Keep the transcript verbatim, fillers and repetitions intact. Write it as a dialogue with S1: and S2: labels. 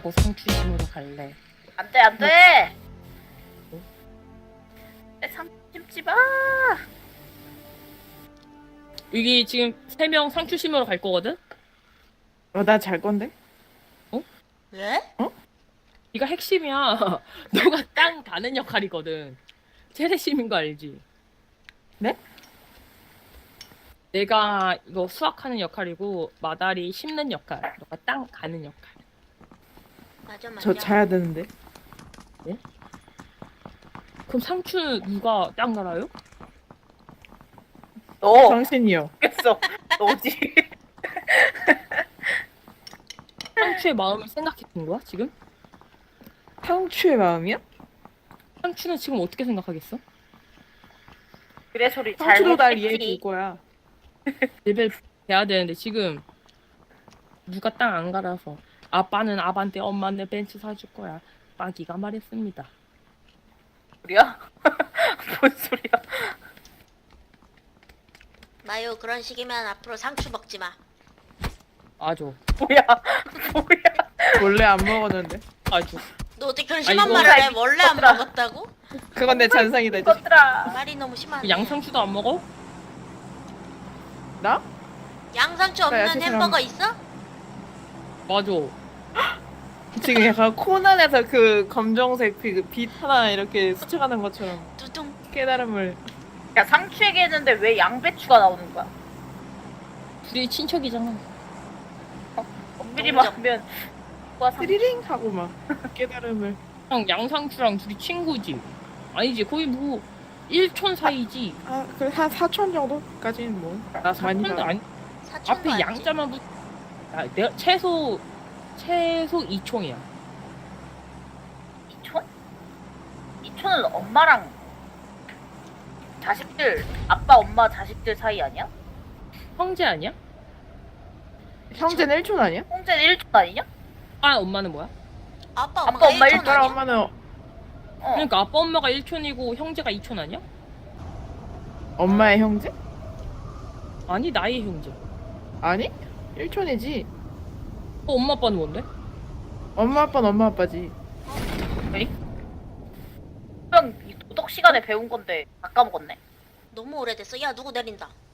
S1: 하고 상추심으로 갈래.
S2: 안돼 안돼.
S1: 뭐?
S2: 내 상심지 마.
S1: 여기 지금 세 명 상추심으로 갈 거거든?
S3: 어, 나 잘 건데?
S2: 왜?
S1: 네가 핵심이야. 너가 땅 가는 역할이거든. 최대심인 거 알지?
S3: 네?
S1: 내가 이거 수확하는 역할이고 마다리 심는 역할. 너가 땅 가는 역할.
S2: 맞아 맞아.
S3: 저 자야 되는데.
S1: 그럼 상추 누가 땅 갈아요?
S2: 너
S3: 당신이요.
S2: 했어. 너지.
S1: 상추의 마음을 생각했던 거야 지금?
S3: 상추의 마음이야?
S1: 상추는 지금 어떻게 생각하겠어?
S2: 그래 소리
S3: 상추도 날 이해해
S2: 잘못했지.
S3: 줄 거야.
S1: 레벨 돼야 되는데 지금 누가 땅 안 갈아서 아빠는 아반떼 엄마는 벤츠 사줄 거야. 빠기가 말했습니다.
S2: 소리야? 뭔 소리야?
S4: 마요 그런 식이면 앞으로 상추 먹지 마.
S1: 아주
S2: 뭐야? 뭐야?
S3: 원래 안 먹었는데.
S1: 아주
S4: 너 어떻게 그런 심한
S1: 아이고.
S4: 말을 해?
S2: 아이고,
S4: 원래 안
S2: 얘들아.
S4: 먹었다고?
S3: 그건 내 잔상이다. 이제.
S2: 이것들아.
S4: 말이 너무 심하네.
S1: 양상추도 안 먹어?
S3: 나?
S4: 양상추
S3: 나
S4: 없는
S3: 야채 잘
S4: 햄버거
S3: 안
S4: 있어?
S1: 맞아.
S3: 지금 약간 코난에서 그 검정색 그 빛 하나 이렇게 스쳐가는 것처럼
S4: 두둥.
S3: 깨달음을.
S2: 야 상추 얘기했는데 왜 양배추가 나오는 거야?
S1: 둘이 친척이잖아.
S2: 엄밀히
S4: 너무
S2: 말하면 누가 상
S3: 스리링 하고 막 깨달음을.
S1: 형 양상추랑 둘이 친구지. 아니지 거의 뭐 일촌 사이지.
S3: 아, 그래 한 사촌 정도까지는 뭐.
S1: 나
S3: 많이
S1: 사촌도
S3: 가.
S1: 아니.
S4: 사촌도
S1: 앞에
S4: 아니지.
S1: 양자만 붙. 아, 내가 최소 최소 이총이야.
S2: 이촌? 이촌은 엄마랑 자식들 아빠 엄마 자식들 사이 아니야?
S1: 형제 아니야?
S3: 형제는 일촌 아니야?
S2: 형제는 일촌 아니냐?
S1: 아 엄마는 뭐야?
S4: 아빠
S2: 아빠,
S4: 엄마가
S2: 엄마
S4: 일촌
S2: 일촌
S3: 아빠랑
S4: 아니야?
S3: 엄마는
S2: 어.
S1: 그러니까 아빠 엄마가 일촌이고 형제가 이촌 아니야?
S3: 엄마의 형제?
S1: 아니 나의 형제.
S3: 아니? 일촌이지.
S1: 어, 엄마 아빠는 뭔데?
S3: 엄마 아빠는 엄마 아빠지.
S2: 그냥 이 도덕 시간에 배운 건데 다 까먹었네.
S4: 너무 오래됐어. 야 누구 내린다.